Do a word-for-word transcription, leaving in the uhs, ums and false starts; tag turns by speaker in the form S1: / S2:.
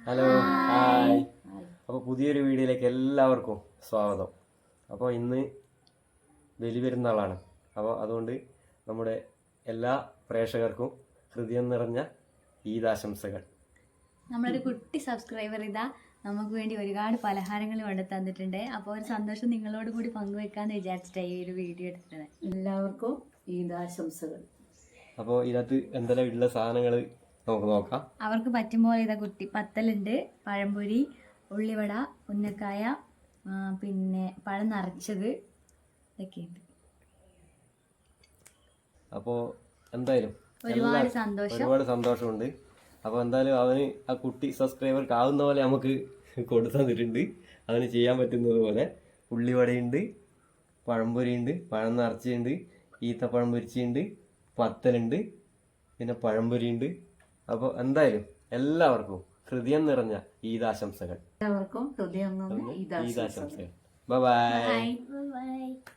S1: Hello hi. അപ്പോൾ പുതിയൊരു വീഡിയോയിലേക്ക് എല്ലാവർക്കും സ്വാഗതം. അപ്പോൾ ഇന്ന് ബലി പെരുന്നാളാണ്. അപ്പോൾ അതുകൊണ്ട് നമ്മുടെ എല്ലാ പ്രേക്ഷകർക്കും ഹൃദയം നിറഞ്ഞ ഈദാശംസകൾ.
S2: നമ്മളൊരു കുട്ടി സബ്സ്ക്രൈബർ ഇതാ നമുക്ക് വേണ്ടി ഒരുപാട് പലഹാരങ്ങൾ കൊണ്ട് തന്നിട്ടുണ്ട്. അപ്പോൾ ഒരു സന്തോഷം നിങ്ങളോട് കൂടി പങ്കുവെക്കാന്ന് വിചാരിച്ചിട്ടാണ് ഈ ഒരു വീഡിയോ എടുത്തത്.
S3: എല്ലാവർക്കും ഈദാശംസകൾ.
S1: അപ്പോൾ ഇതിനകത്ത് എന്തെല്ലാം ഉള്ള സാധനങ്ങൾ നമുക്ക് നോക്കാം.
S2: അവർക്ക് പറ്റുമ്പോൾ ഇതാ കുട്ടി പത്തലുണ്ട്, പഴംപൊരി, ഉള്ളിവട, ഉന്നക്കായ, പിന്നെ പഴം നിറച്ചത് ഇതൊക്കെയുണ്ട്.
S1: അപ്പോൾ എന്തായാലും
S2: ഒരുപാട് സന്തോഷം
S1: ഒരുപാട് സന്തോഷമുണ്ട്. അപ്പോൾ എന്തായാലും അവന് ആ കുട്ടി സബ്സ്ക്രൈബർക്ക് ആവുന്ന പോലെ നമുക്ക് കൊടുത്തു തന്നിട്ടുണ്ട്. അവന് ചെയ്യാൻ പറ്റുന്നത് പോലെ ഉള്ളിവടയുണ്ട്, പഴംപൊരിയുണ്ട്, പഴം നിറച്ചുണ്ട്, ഈത്തപ്പഴം പൊരിച്ചുണ്ട്, പത്തലുണ്ട്, പിന്നെ പഴംപൊരിയുണ്ട്. അപ്പോൾ എന്തായാലും എല്ലാവർക്കും ഹൃദയം നിറഞ്ഞ ഈദാശംസകൾ.
S3: എല്ലാവർക്കും ഹൃദയം നിറഞ്ഞ ഈദാശംസകൾ.
S1: Bye bye.
S2: ബൈ.